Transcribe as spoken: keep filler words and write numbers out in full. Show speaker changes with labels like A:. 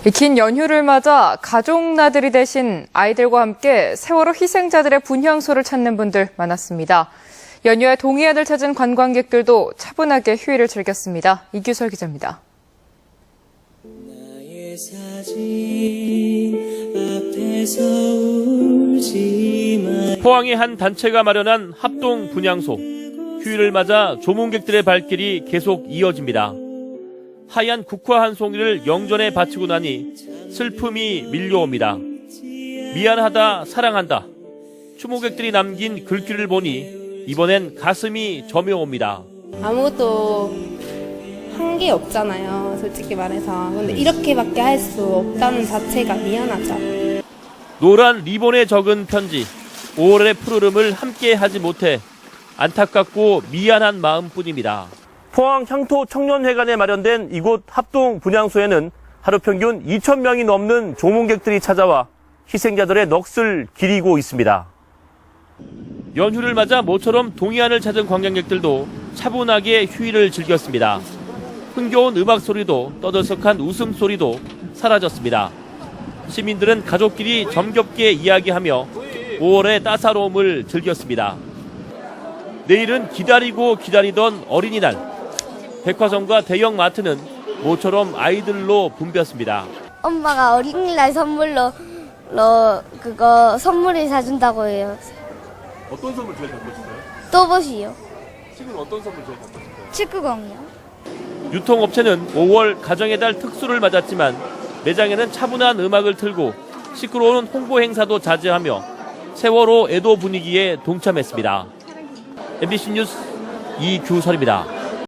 A: 긴 연휴를 맞아 가족 나들이 대신 아이들과 함께 세월호 희생자들의 분향소를 찾는 분들 많았습니다. 연휴에 동해안을 찾은 관광객들도 차분하게 휴일을 즐겼습니다. 이규설 기자입니다.
B: 나의 사진 앞에서 울지 마.
C: 포항의 한 단체가 마련한 합동 분향소. 휴일을 맞아 조문객들의 발길이 계속 이어집니다. 하얀 국화 한 송이를 영전에 바치고 나니 슬픔이 밀려옵니다. 미안하다, 사랑한다. 추모객들이 남긴 글귀를 보니 이번엔 가슴이 저며옵니다.
D: 아무것도 한 게 없잖아요, 솔직히 말해서. 근데 이렇게밖에 할 수 없다는 자체가 미안하죠.
C: 노란 리본에 적은 편지. 오월의 푸르름을 함께 하지 못해 안타깝고 미안한 마음뿐입니다. 포항 향토 청년회관에 마련된 이곳 합동 분향소에는 하루 평균 이천 명이 넘는 조문객들이 찾아와 희생자들의 넋을 기리고 있습니다. 연휴를 맞아 모처럼 동해안을 찾은 관광객들도 차분하게 휴일을 즐겼습니다. 흥겨운 음악 소리도 떠들썩한 웃음소리도 사라졌습니다. 시민들은 가족끼리 정겹게 이야기하며 오월의 따사로움을 즐겼습니다. 내일은 기다리고 기다리던 어린이날. 백화점과 대형 마트는 모처럼 아이들로 붐볐습니다.
E: 엄마가 어린이날 선물로 로 그거 선물을 사준다고 해요.
C: 어떤 선물 제일 갖고 싶어요?
E: 또봇이요.
C: 지금 어떤 선물 제일 갖고 싶어요?
E: 축구공이요.
C: 유통업체는 오월 가정의 달 특수를 맞았지만 매장에는 차분한 음악을 틀고 시끄러운 홍보 행사도 자제하며 세월호 애도 분위기에 동참했습니다. 엠비씨 뉴스 이규설입니다.